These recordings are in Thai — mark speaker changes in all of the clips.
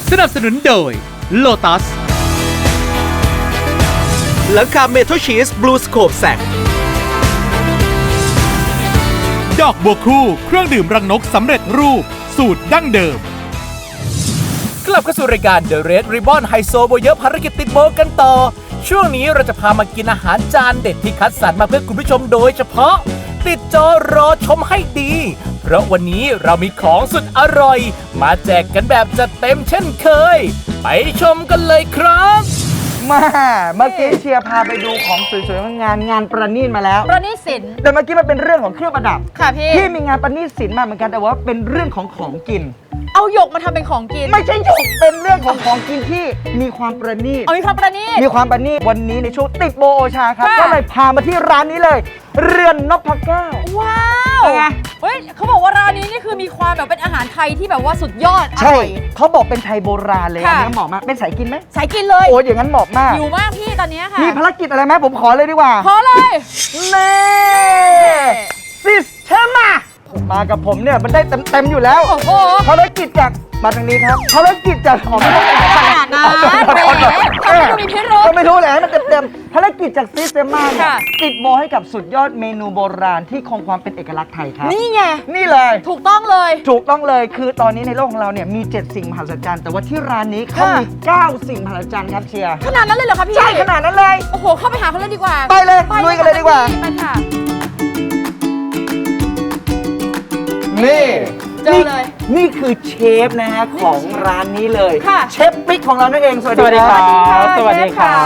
Speaker 1: สนับสนุนโดย Lotus
Speaker 2: หลังคาเมทัลชีสบลูสโคปแซก
Speaker 1: ดอกบัวคู่เครื่องดื่มรังนกสำเร็จรูปสูตรดั้งเดิม
Speaker 2: กลับเข้าสู่รายการ The Red Ribbon ไฮโซโบเยอะภารกิจติดโบกันต่อ ช่วงนี้เราจะพามากินอาหารจานเด็ดที่คัดสรรมาเพื่อคุณผู้ชมโดยเฉพาะ ติดจอรอชมให้ดี เพราะวันนี้เรามีของสุดอร่อย มาแจกกันแบบจัดเต็มเช่นเคย ไปชมกันเลยครับ
Speaker 3: มาเมื่อกี้เชียร์พาไปดูของสวยๆงานประณีตมาแล้ว
Speaker 4: ประณีตศิลป์
Speaker 3: แต่เมื่อกี้มันเป็นเรื่องของเครื่องประดับ
Speaker 4: ค่ะพี่
Speaker 3: ที่มีงานประณีตศิลป์มาเหมือนกันแต่ว่าเป็นเรื่องของกิน
Speaker 4: เอาหยกมาทำเป็นของกิน
Speaker 3: ไม่ใช่หยกเป็นเรื่องของกินที่มีความประณีต
Speaker 4: เอามีความประณีต
Speaker 3: มีความประณีตวันนี้ในช่วงติดโบโอชาครับ
Speaker 4: ค่ะ
Speaker 3: ก็เลยพามาที่ร้านนี้เลย เรือนนพเก้า
Speaker 4: ว้าว
Speaker 3: เป็นไง
Speaker 4: เฮ้ยเขาบอกว่าร้านนี้นี่คือมีความแบบเป็นอาหารไทยที่แบบว่าสุดยอดอ
Speaker 3: ใช่
Speaker 4: ร่อย
Speaker 3: เขาบอกเป็นไทยโบราณเลยอัน
Speaker 4: ค่ะ
Speaker 3: นี้เหมาะมากเป็นสายกินไหม
Speaker 4: สายกินเลย
Speaker 3: โอ้ยอย่างนั้นเหมาะมาก
Speaker 4: อยู่มากพี่ตอนนี้ค่ะ
Speaker 3: มีภารกิจอะไรไหมผมขอเลยดีกว่า
Speaker 4: พอเลย
Speaker 3: เน่ซิสเทมมากับผมเนี่ยมันได้เต็มอยู่แล้ว
Speaker 4: โอ้โห
Speaker 3: ภารกิจจากมาทางนี้ครับภารกิจจากออกไม่ได้
Speaker 4: ขนาดนั้นแหมทำไมดูมีพิรุธ
Speaker 3: ก็ไม่รู้แหละให้มันเต็มภารกิจจากซิสเทมเนี่ย
Speaker 4: ค่ะ
Speaker 3: ติดโบให้กับสุดยอดเมนูโบราณที่คงความเป็นเอกลักษณ์ไทยครับ
Speaker 4: นี่ไง
Speaker 3: นี่เลย
Speaker 4: ถูกต้องเลย
Speaker 3: ถูกต้องเลยคือตอนนี้ในโลกของเราเนี่ยมี 7 สิ่งมหัศจรรย์แต่ว่าที่ร้านนี้เขามี 9 สิ่งมหัศจรรย์ครับเชียร์
Speaker 4: ขนาดนั้นเลยเหรอคะพี่
Speaker 3: ใช่ขนาดนั้นเลย
Speaker 4: โอ้โหเข้าไปหาเขาเลยดีกว่า
Speaker 3: ไปเลยลุยกันเลยดีกว่า
Speaker 4: ไปค่ะ
Speaker 3: นี่
Speaker 4: เจอเลย
Speaker 3: นี่คือเชฟนะฮะของร้านนี้เลย
Speaker 4: ค่ะ
Speaker 3: เชฟปิ๊กของเรานั่นเองสวัสดีครับ
Speaker 4: สวัสดีค่ะ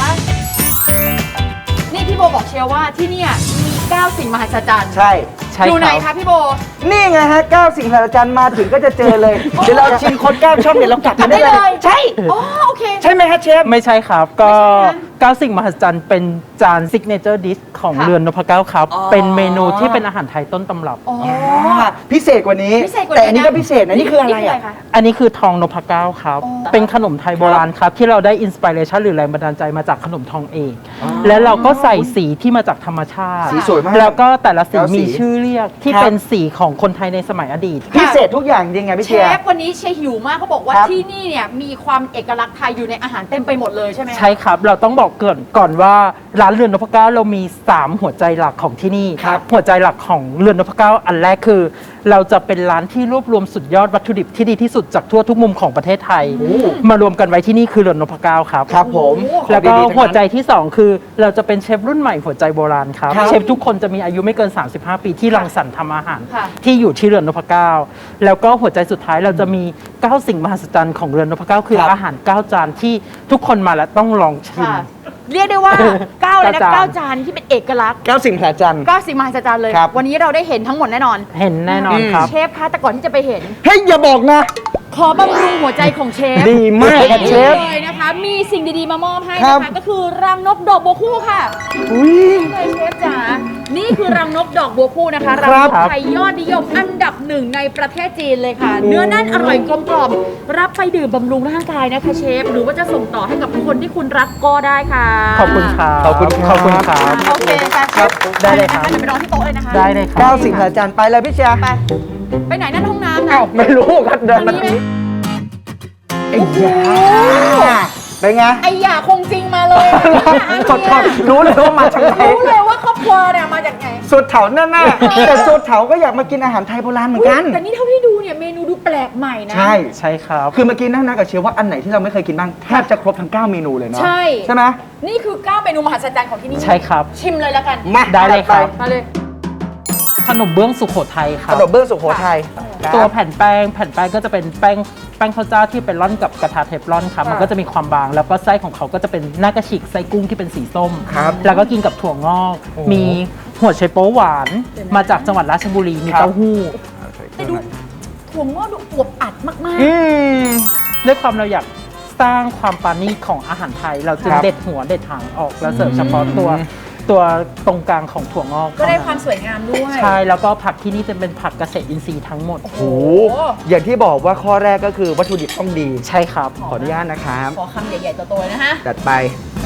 Speaker 4: นี่พี่โบบอกเชียร์ว่าที่เนี่ยมี 9 สิ่งมหัศจรรย์
Speaker 3: ใช่
Speaker 4: อยู่ไหนคะพี่โบ
Speaker 3: นี่ไงฮะ9 สิ่งมหัศจรรย์มาถึงก็จะเจอเลย เดี๋ยวเราชิมคน9ช่องเดี๋ยวเรากลับกันได้
Speaker 4: กลับได้
Speaker 3: เล
Speaker 4: เลย ย
Speaker 3: ใช่
Speaker 4: อ๋อโอเค
Speaker 3: ใช่ไหมฮะเชฟ
Speaker 5: ไม่ใช่ครับ ก็
Speaker 4: ไม่ใช่นะ
Speaker 5: 9 สิ่งมหัศจรรย์เป็นจานซิกเนเจอร์ดิชของ
Speaker 4: ค่ะ
Speaker 5: เรือนนพเก้าครับ
Speaker 4: อ๋อ
Speaker 5: เป็นเมนูที่เป็นอาหารไทยต้นตำรับ
Speaker 4: อ๋อ
Speaker 3: พิเศษกว่านี้
Speaker 4: พิเศษกว่านี้
Speaker 3: แต่อันนี้ก็
Speaker 4: นะ
Speaker 3: พิเศษนะนี่คืออะไรอ่ะ
Speaker 4: คะ
Speaker 5: อันนี้คือทองนพเก้าครับ
Speaker 4: อ๋อ
Speaker 5: เป็นขนมไทยโบราณครับ ที่เราได้อินสปิเรชันหรือแรงบันดาลใจมาจากขนมทองเอก และเราก็ใส่สีที่มาจากธรรมชาติ
Speaker 3: สีสวยมาก
Speaker 5: แล้วก็แต่ละสี
Speaker 3: แล้วสี
Speaker 5: มีชื่อเรียกที่
Speaker 3: ครับ
Speaker 5: เป็นสีของคนไทยในสมัยอดีต
Speaker 3: พิเศษทุกอย่างจริงไงพี่
Speaker 4: เช
Speaker 3: เชียร์
Speaker 4: ฟวันนี้เชฟหิวมากเขาบอกว่า
Speaker 3: ครับ
Speaker 4: ที่นี่เนี่ยมีความเอกลักษณ์ไทยอยู่ในอาหารเต็มไปหมดเลยใช่ไหมคะ
Speaker 5: ใช่ครับ เราต้องบอกก่อนว่าร้านเรือนนพเก้าเรามี 3 หัวใจหลักของที่นี่
Speaker 3: ครับ
Speaker 5: หัวใจหลักของเรือนนพเก้าอันแรกคือ เราจะเป็นร้านที่รวบรวมสุดยอดวัตถุดิบที่ดีที่สุดจากทั่วทุกมุมของประเทศไทย มารวมกันไว้ที่นี่คือเรือนนพเก้าครับ
Speaker 3: ครับผม
Speaker 5: แล้วก็
Speaker 3: ของดีๆทั้งนั้น
Speaker 5: หัวใจที่ 2 คือเราจะเป็นเชฟรุ่นใหม่หัวใจโบราณครับ
Speaker 3: ครับ
Speaker 5: เชฟทุกคนจะมีอายุไม่เกิน 35 ปีที่รังสรรค์ทำอาหาร
Speaker 4: ค่ะ
Speaker 5: ที่อยู่ที่เรือนนพเก้าแล้วก็หัวใจสุดท้ายเราจะมี 9 สิ่งมหัศจรรย์ของเรือนนพเก้าคือ
Speaker 3: ครับ
Speaker 5: อาหาร 9 จานที่ทุกคนมาแล้วต้องลองชิม
Speaker 4: ค่ะเรียกได้ว่า 9 เลยนะ
Speaker 5: 9
Speaker 4: 9 จานที่เป็นเอกลักษณ์
Speaker 3: 9 สิ่งมหัศจรรย์
Speaker 4: 9 สิ่งมหัศจรรย์เลย
Speaker 3: ครับ
Speaker 4: วันนี้เราได้เห็นทั้งหมดแน่นอน
Speaker 5: เห็นแน่นอนครับ
Speaker 4: เชฟคะแต่ก่อนที่จะไปเห็น
Speaker 3: เฮ้ยอย่าบอกนะ
Speaker 4: ขอบำรุงหัวใจของเชฟ
Speaker 3: ดีมากครับเชฟ
Speaker 4: เลยนะคะ มีสิ่งดีๆมามอบให้
Speaker 3: ครั
Speaker 4: นะ
Speaker 3: บ
Speaker 4: คะก็คือรังนกดอกบัวคู่ค่ะ
Speaker 3: อุ้ย
Speaker 4: เลยเชฟจ๋านี่คือรังนกดอกบัวคู่นะคะ
Speaker 3: ครั
Speaker 4: รับ งนก
Speaker 5: ครับ
Speaker 4: ไทยยอดนิยมอันดับ 1ในประเทศจีนเลยค่ะ เนื้อแน่นอร่อยกลมกล่อมรับไปดื่มบำรุงร่างกายนะคะเชฟหรือว่าจะส่งต่อให้กับคนที่คุณรักก็ได้ค่ะ
Speaker 5: ขอบคุณครับ
Speaker 3: ขอบคุณครับ
Speaker 5: ขอบคุณครับ
Speaker 4: โอเคค่ะเชฟ
Speaker 5: ได้เลยครับ
Speaker 4: เดี๋ยวไปรอที่โต๊ะเลยนะคะ
Speaker 5: ได้เลยครับ
Speaker 3: 9 สิ่งมหัศจรรย์ไปเลยพี่เชียร์
Speaker 4: ไปไหนนั่นห้องน้ำนะ
Speaker 3: เอ้าไม่รู้ครับเดินมา
Speaker 4: ทางนี้ไหม
Speaker 3: ไอ้ยาเป็นไง
Speaker 4: ไอ้หย่าคงจริงมาเลย
Speaker 3: ขอโทษรู้เลยว่ามาจากไหน
Speaker 4: รู้เลยว่าครอบครัวเนี่ยมาจากไหน
Speaker 3: สุดเถาแน่ๆแต่สุดเถาก็อยากมากินอาหารไทยโบราณเหมือนกัน
Speaker 4: แต่นี่เท่าที่ดูเนี่ยเมนูดูแปลกใหม่นะ
Speaker 3: ใช่
Speaker 5: ใช่ครับ
Speaker 3: คือเมื่อกี้นั่งนักับเชียร์ว่าอันไหนที่เราไม่เคยกินบ้างแทบจะครบทั้ง 9 เมนูเลยเนาะ
Speaker 4: ใช่
Speaker 3: ใช่ไหม
Speaker 4: นี่คือ9เมนูมหัศจรรย์ของที่นี่
Speaker 5: ใช่ครับ
Speaker 4: ชิมเลยแล้วกัน
Speaker 3: มา
Speaker 5: ได้เลยครับ
Speaker 4: มาเลย
Speaker 5: ขนมเบื้องสุโขทัยค
Speaker 3: ข
Speaker 5: รับ
Speaker 3: นมเบื้องสุโขทัย
Speaker 5: ตัวแผ่นแป้งก็จะเป็นแป้งข้าวเจ้าที่เป็นร่อนกับกระทะเทฟลอนครับ
Speaker 4: ค่ะ
Speaker 5: มันก็จะมีความบาง แล้วก็ไส้ของเขาก็จะเป็นหน้ากระฉีกไส้กุ้งที่เป็นสีส้ม
Speaker 3: ครับ
Speaker 5: แล้วก็กินกับถั่วงอก
Speaker 3: โอ้
Speaker 5: มีหัวไชโป๊หวาน มาจากจังหวัดราชบุรี มี
Speaker 3: ครับ
Speaker 5: เต้าหู้
Speaker 4: แต่ดูถั่วงอกดูอวบอัดมาก
Speaker 3: อืม
Speaker 5: ด้วยความเราอยากสร้างความปราณีตของอาหารไทย เราจึง
Speaker 3: ครับ
Speaker 5: เด็ดหัวเด็ดหางออกแล้วเสิร์ฟเฉพาะตัวตรงกลางของถั่วงอก
Speaker 4: ๆ ก็ได้ความสวยงามด้วย
Speaker 5: ใช่ แล้วก็ผักที่นี่จะเป็นผักเกษตรอินทรีย์ทั้งหมด
Speaker 3: โอ้โหอย่างที่บอกว่าข้อแรกก็คือวัตถุดิบต้องดี
Speaker 5: ใช่ครับ
Speaker 3: ขออนุญาตนะครับ
Speaker 4: ขอคำใหญ่ๆโตๆนะฮะ
Speaker 3: จัดไป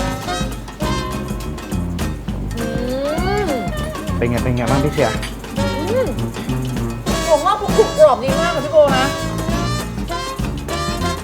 Speaker 4: อืม
Speaker 3: เป็นไงบ้างพี่เชียร์
Speaker 4: ถั่วงอกกรุบกรอบดีมากค่ะพี่โบนะ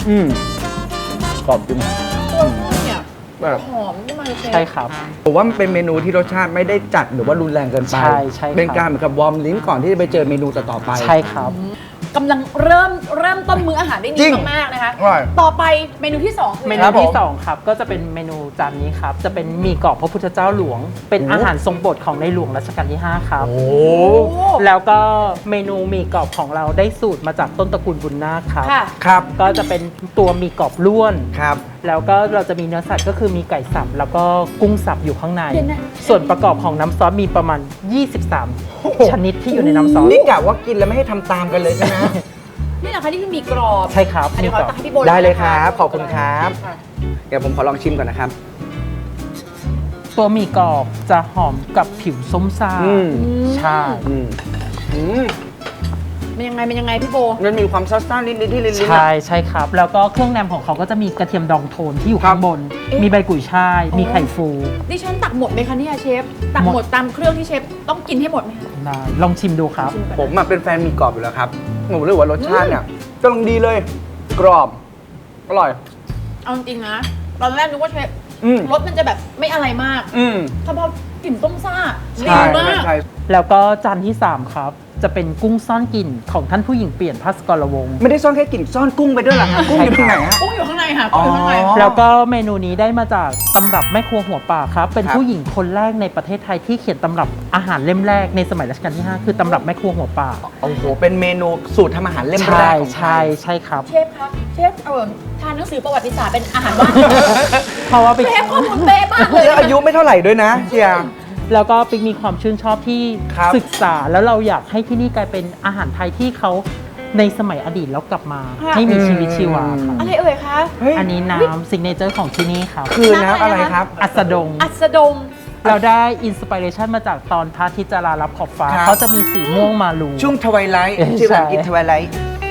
Speaker 3: กรอบจริง
Speaker 4: เนี่ย
Speaker 3: แบบ
Speaker 4: หอมขึ้นมาเลยเชฟ
Speaker 5: ใช่ครับ
Speaker 3: ผมว่ามันเป็นเมนูที่รสชาติไม่ได้จัดหรือว่ารุนแรงเกินไป
Speaker 5: ใช่ใช่ครับ
Speaker 3: เป็นการเหมือนกับวอร์มลิ้นก่อนที่จะไปเจอเมนูต่อๆไป
Speaker 5: ใช่ครับ
Speaker 4: กำลังเริ่มต้นมื้ออาหารได้
Speaker 3: จริ
Speaker 4: ดี
Speaker 3: ง
Speaker 4: มากๆนะคะ
Speaker 3: อร่อย
Speaker 4: ต่อไปเมนูที่2คือ
Speaker 5: เม
Speaker 4: อะไร
Speaker 5: นู
Speaker 3: ครับผม
Speaker 5: ที่2ครับก็จะเป็นเมนูจานนี้ครับจะเป็นหมี่กรอบพระพุทธเจ้าหลวง เป็นอาหารทรงโปรดของในหลวงรัชกาลที่ 5 ครับ
Speaker 3: โอ้
Speaker 4: โอ้
Speaker 5: แล้วก็เมนูหมี่กรอบของเราได้สูตรมาจากต้นตระกูลบุญนาคครับ
Speaker 4: ค่ะ
Speaker 3: ครับ
Speaker 5: ก็จะเป็นตัวหมี่กรอบล้วน
Speaker 3: ครับ
Speaker 5: แล้วก็เราจะมีเนื้อสัตว์ก็คือมีไก่สับแล้วก็กุ้งสับอยู่ข้างใน
Speaker 4: เดี๋ยวนะ
Speaker 5: ส่วนประกอบของน้ำซอสมีประมาณ 23 ชนิดที่อยู่ในน้ำซอส
Speaker 3: นี่กะว่ากินแล้วไม่ให้ทำตามกันเลยใช่ไหม
Speaker 4: นี่นะคะนี่คือหมี่กรอบ
Speaker 5: ใช่ครับ
Speaker 4: อันนี้ขอตักให้พี่โบ
Speaker 3: ได้เลย
Speaker 4: นะะ
Speaker 3: ครับขอบคุณครับ
Speaker 4: ะ
Speaker 3: เดี๋ยวผมขอลองชิมก่อนนะครับ
Speaker 5: ตัวหมี่กรอบจะหอมกับผิวส้มซ่า ใช่
Speaker 3: อืมอืม
Speaker 4: มันยังไงพี่โบ
Speaker 3: มันมีความซ่าๆนิดๆที่ลิ้นๆ
Speaker 5: ใช่
Speaker 3: อะ
Speaker 5: ใช่ครับ แล้วก็เครื่องแนมของเขาก็จะมีกระเทียมดองโทนที่อยู่
Speaker 3: ครับ
Speaker 5: ข้างบน
Speaker 4: เอ๊ะ
Speaker 5: มีใบกุยช่าย มีไข่ฟู
Speaker 4: ดิฉันตักหมดไหมคะเนี่ยเชฟ ตักหมดตามเครื่องที่เชฟต้องกินให้หมดไหมคะ
Speaker 5: ได้ลองชิมดูครับ
Speaker 4: ชิก่อน
Speaker 3: ผมอะเป็นแฟนหมีกรอบอยู่แล้วครับผมรู้สึกว่ารสชาติเนี่ยกำลังดีเลย กรอบ อร่อย
Speaker 4: เอาจริงๆนะ ตอนแรกนึกว่าเชฟ
Speaker 3: อืม
Speaker 4: รสมันจะแบบไม่อะไรมาก
Speaker 3: อืม
Speaker 4: ถ้าพอกลิ่นต้มซ่าดี
Speaker 3: ใช่
Speaker 4: มาก
Speaker 3: ใช่
Speaker 5: แล้วก็จานที่ 3 ครับ จะเป็นกุ้งซ่อนกลิ่นของท่านผู้หญิงเปลี่ยนพัสกรวงศ์
Speaker 3: ไม่ได้ซ่อนแค่กลิ่นซ่อนกุ้งไปด้วยเหรอฮะกุ้งอยู่ตรงไหนฮะ
Speaker 4: กุ้งอยู่ข้างในค่ะกุ้งอยู่ข้างใน
Speaker 3: อ๋อ
Speaker 5: แล้วก็เมนูนี้ได้มาจากตำรับแม่ครัวหัวป่าครับ เป็น
Speaker 3: ครับ
Speaker 5: ผู้หญิงคนแรกในประเทศไทยที่เขียนตำรับอาหารเล่มแรกในสมัยรัชกาลที่ 5 คือตำรับแม่ครัวหัวป่า
Speaker 3: โอ้โห เป็นเมนูสูตรทำอาหารเล่มแร
Speaker 5: ใช่
Speaker 3: กของไท
Speaker 5: ใช่
Speaker 3: ย
Speaker 5: ใช่ครับ
Speaker 4: เชฟครับเชฟทานหนังสือประวัติศาสตร์เป็นอาหารว่าง
Speaker 5: เพราะว่าไป
Speaker 4: เชฟข้อมูลเป๊ะมากเลย
Speaker 3: แล้วอายุไม่เท่าไหร่ด้วยนะเชียร์
Speaker 5: แล้วก็ปิ๊กมีความชื่นชอบที่
Speaker 3: ครับ
Speaker 5: ศึกษาแล้วเราอยากให้ที่นี่กลายเป็นอาหารไทยที่เขาในสมัยอดีตแล้วกลับมา ให้มีชีวิตชีวาครับ
Speaker 4: อะไรเอ่ยคะ
Speaker 3: เฮ้ย
Speaker 5: อันนี้น้ำซิกเนเจอร์ของที่นี่ครับ
Speaker 3: คือน้ำอะไรครับ
Speaker 5: อัสดง
Speaker 4: อัสดง
Speaker 5: เราได้อินสปิเรชันมาจากตอนพระอาทิตย์จะลาลับขอบฟ้า
Speaker 3: ครับ
Speaker 5: เขาจะมีสีม่วงมาลู
Speaker 3: ช่วงทวายไลท์
Speaker 5: เออ
Speaker 3: ชื่อภาษาอังกฤษ
Speaker 5: ใช่
Speaker 3: ทวายไลท์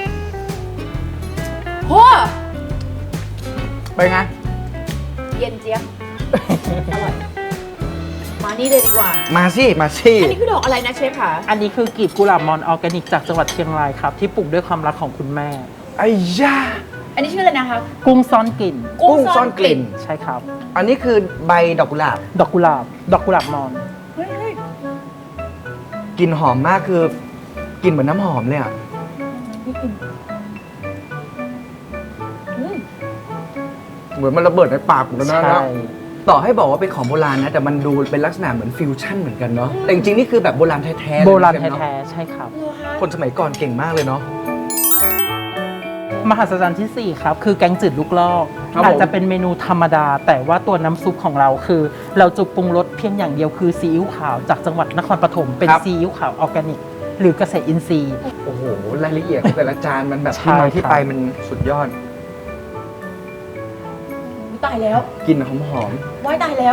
Speaker 4: โห
Speaker 3: ไปไง
Speaker 4: เย็นเจี๊ยบอร่อยมานี่เลยดีกว่า
Speaker 3: มาสิ มาสิ
Speaker 4: อันนี้คือดอกอะไรนะเชฟคะ
Speaker 5: อันนี้คือกลีบกุหลาบมอนออร์แกนิกจากจังหวัดเชียงรายครับ ที่ปลูกด้วยความรักของคุณแม่
Speaker 3: ไอ้ย่า
Speaker 4: อันนี้ชื่ออะไรนะคะ
Speaker 5: กุ้งซ่อนกลิ่น
Speaker 3: กุ้งซ่อนกลิ่น
Speaker 5: ใช่ครับ
Speaker 3: อันนี้คือใบดอกกุหลาบ
Speaker 5: ดอกกุหลาบ ดอกกุหลาบมอน
Speaker 4: เฮ้ย
Speaker 3: กลิ่นหอมมากคือกลิ่นเหมือนน้ำหอมเลยอ่ะ
Speaker 4: นี่กลิ่นอืม
Speaker 3: เหมือนมันระเบิดในปากผมแล้วนะ
Speaker 5: ใช่
Speaker 3: ต่อให้บอกว่าเป็นของโบราณนะ แต่มันดูเป็นลักษณะเหมือนฟิวชั่นเหมือนกันเนาะ แต่จริงๆ นี่คือแบบโบราณแท้ๆเลย
Speaker 5: โบราณ
Speaker 3: ใช่ไหมเนอะ
Speaker 5: แท้ๆ ใช่ครับ
Speaker 4: เหรอคะ
Speaker 3: คนสมัยก่อนเก่งมากเลยเนาะ
Speaker 5: มหัศจรรย์ที่ 4 ครับ คือแกงจืดลูกลอก
Speaker 3: ครับผม
Speaker 5: อาจจะเป็นเมนูธรรมดา แต่ว่าตัวน้ำซุปของเราคือ เราจะปรุงรสเพียงอย่างเดียวคือซีอิ๊วขาวจากจังหวัดนครปฐมเป็นซีอิ๊วขาวออร์แกนิก หรือเกษตรอินทรีย์
Speaker 3: โอ้โห รายละเอียดของแต่ละจานมันแบบ
Speaker 5: ใช่
Speaker 3: ที่มาที่
Speaker 5: ครับ
Speaker 3: ไปมันสุดยอด
Speaker 4: อุ๊ยตายแล้ว
Speaker 3: กลิ่นหอม
Speaker 4: ว้ายตายแล้ว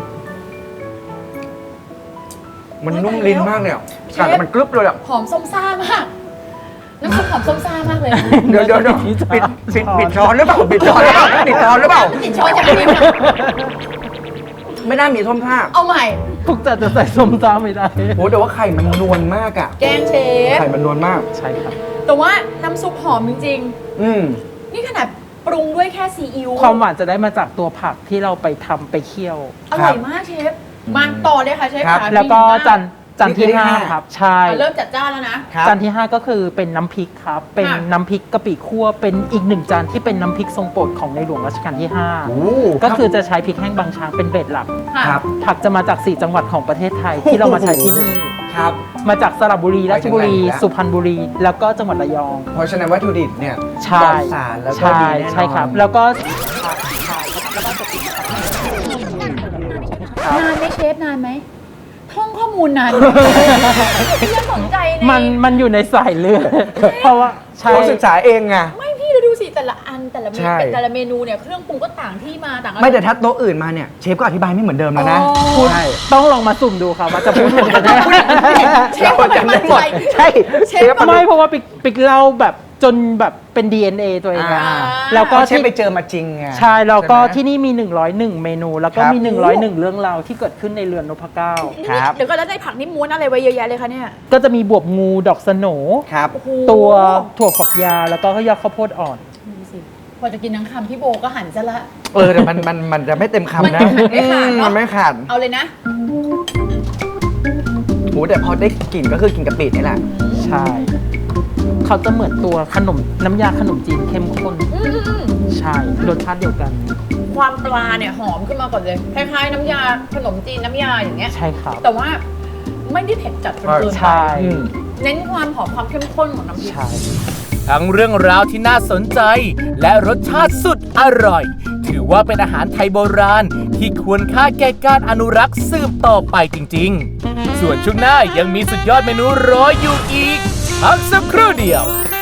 Speaker 3: ๆมันนุ่มลิ้นมากเนี่ย
Speaker 4: เชฟ
Speaker 3: กัดแล้วมันกรึบเลยอ่ะ
Speaker 4: หอมส้มซ่ามาก น้ำซุปหอมส้มซ่ามากเลย
Speaker 3: เดี๋ยวปิดช้อนหรือเปล่าปิดช้อนหรือเปล่าปิดช้อนหรือเปล่า
Speaker 4: ติดช้อนจากนี้นะ
Speaker 3: ไม่น่ามีท่อมผ้า
Speaker 4: เอาใหม่
Speaker 5: ทุกจานจะใส่ส้มตำไม่ได้
Speaker 3: โหแต่ว่าไข่มันนวลมากอ่ะ
Speaker 4: แกงเชฟ
Speaker 3: ไข่มันนวลมาก
Speaker 5: ใช่ครับ
Speaker 4: แต่ว่าน้ำซุปหอมจริง
Speaker 3: อืม
Speaker 4: ๆ นี่ขนาดปรุงด้วยแค่ซีอิ๊ว
Speaker 5: ความหวานจะได้มาจากตัวผักที่เราไปทำไปเคี่ยว
Speaker 4: อร่อยมากเชฟ มาต่อเลยค่ะเชฟ
Speaker 3: ครับ
Speaker 4: ค่ะ
Speaker 5: แล้วก็
Speaker 4: มี
Speaker 5: จานที่
Speaker 3: นี่คือที่ห้า
Speaker 5: 5 ครับ ใช่
Speaker 4: อ่ะเริ่มจัดจ้านแล้วนะ
Speaker 3: ครับ
Speaker 5: จานที่ 5 ก็คือเป็นน้ำพริกครับ เป็น
Speaker 4: ค่ะ
Speaker 5: น้ำพริกกะปิคั่ว เป็นอีกหนึ่งจานที่เป็นน้ำพริกทรงโปรดของในหลวงรัชกาลที่
Speaker 3: โอ้
Speaker 5: 5 ก็คือจะใช้พริกแห้งบางช้างเป็นเบสหลัก
Speaker 4: ค่ะ
Speaker 3: ครับ
Speaker 5: ผักจะมาจาก 4 จังหวัดของประเทศไทยที่เรามาใช้ที่นี่
Speaker 3: ครับ
Speaker 5: มาจากสระบุรี ราชบุรี
Speaker 3: ไปถึงไหนแล้ว
Speaker 5: สุพรรณบุรี แล้วก็จังหวัดระยอง
Speaker 3: เพราะฉะนั้นวัตถุดิบเนี่ย
Speaker 5: ใช่
Speaker 3: ปลอดสารแล้วก็
Speaker 5: ใช่
Speaker 3: ดีแน่นอน
Speaker 5: ใช่ครับ แล้วก็
Speaker 4: นานไหมเชฟนานไหมท่องข้อมูลนานไหมพี่ยังสนใจใน
Speaker 5: มันอยู่ในสายเลือด เพราะว่าใช่
Speaker 3: เขาศึกษาเองไง
Speaker 4: ไม่พี่เราดูสิแต่ละอันแต่ละเม
Speaker 3: ใช่
Speaker 4: นูแต่ละเมนูเนี่ยเครื่องปรุงก็ต่างที่มาต่างอะไร
Speaker 3: ไม่แต่ถ้าโต๊ะอื่นมาเนี่ยเชฟก็อธิบายไม่เหมือนเดิมแล้วนะ
Speaker 4: อ๋อ
Speaker 3: พูดใช่
Speaker 5: ต้องลองมาสุ่มดูครับว่าจะพูดเหมือนกันไหม
Speaker 4: เชฟทำไมมั่นใจ
Speaker 3: ใช่
Speaker 4: เชฟ
Speaker 5: ไม่เพราะว่าปิกเล่าแบบจนแบบเป็น DNA ตัวเองอะ
Speaker 3: อ่า
Speaker 5: แล้วก็
Speaker 3: ก็เชฟ
Speaker 5: ที่
Speaker 3: ไปเจอมาจริงไง
Speaker 5: ใช่แล้วก็
Speaker 3: ใช่ไหม
Speaker 5: ที่นี่มี 101 เมนู แล้วก็
Speaker 3: ครับ
Speaker 5: มี 101 เรื่องราวที่เกิดขึ้นในเรือนนพเก้า
Speaker 3: ครับ
Speaker 4: เดี๋ยวก็แล้วได้ผักนี่ม้วนอะไรไว้เยอะแยะเลยคะเนี่ย
Speaker 5: ก็จะมีบวบงูดอกสโหน
Speaker 3: ครับ
Speaker 4: โอ้โห
Speaker 5: ตัวถั่วฝักยาวแล้วก็ยอดข้าวโพดอ่อน
Speaker 4: ดูสิพอจะกินทั้งคำพี่โบก็หันซะละ
Speaker 3: แต่มันจะไม่เต็มคำนะ
Speaker 4: มันไม่ขาดเนอะ
Speaker 3: มันไม่ขาด
Speaker 4: เอาเลยนะ
Speaker 3: โหแต่พอได้กลิ่นก็คือกินกะปินี่แหละ
Speaker 5: ใช่ เขาจะเหมือนตัวขนมน้ำยาขนมจีนเข้มข้น ใช่ รสชาติเดียวกัน
Speaker 4: ความปลาเนี่ยหอมขึ้นมาก่อนเลยคล้ายๆน้ำยาขนมจีนน้ำยาอย่างเงี้ย
Speaker 5: ใช่ครับ
Speaker 4: แต่ว่าไม่ได้เผ็ดจัดจนเกินไป
Speaker 5: ใช่
Speaker 4: เน้นความหอมความเข้มข้นของน้ำพริก
Speaker 5: ใช่
Speaker 2: ทั้งเรื่องราวที่น่าสนใจ และรสชาติสุดอร่อย ถือว่าเป็นอาหารไทยโบราณ ที่ควรค่าแก่การอนุรักษ์สืบต่อไปจริงๆ ส่วนช่วงหน้ายังมีสุดยอดเมนูรออยู่อีกพักสักครู่เดียว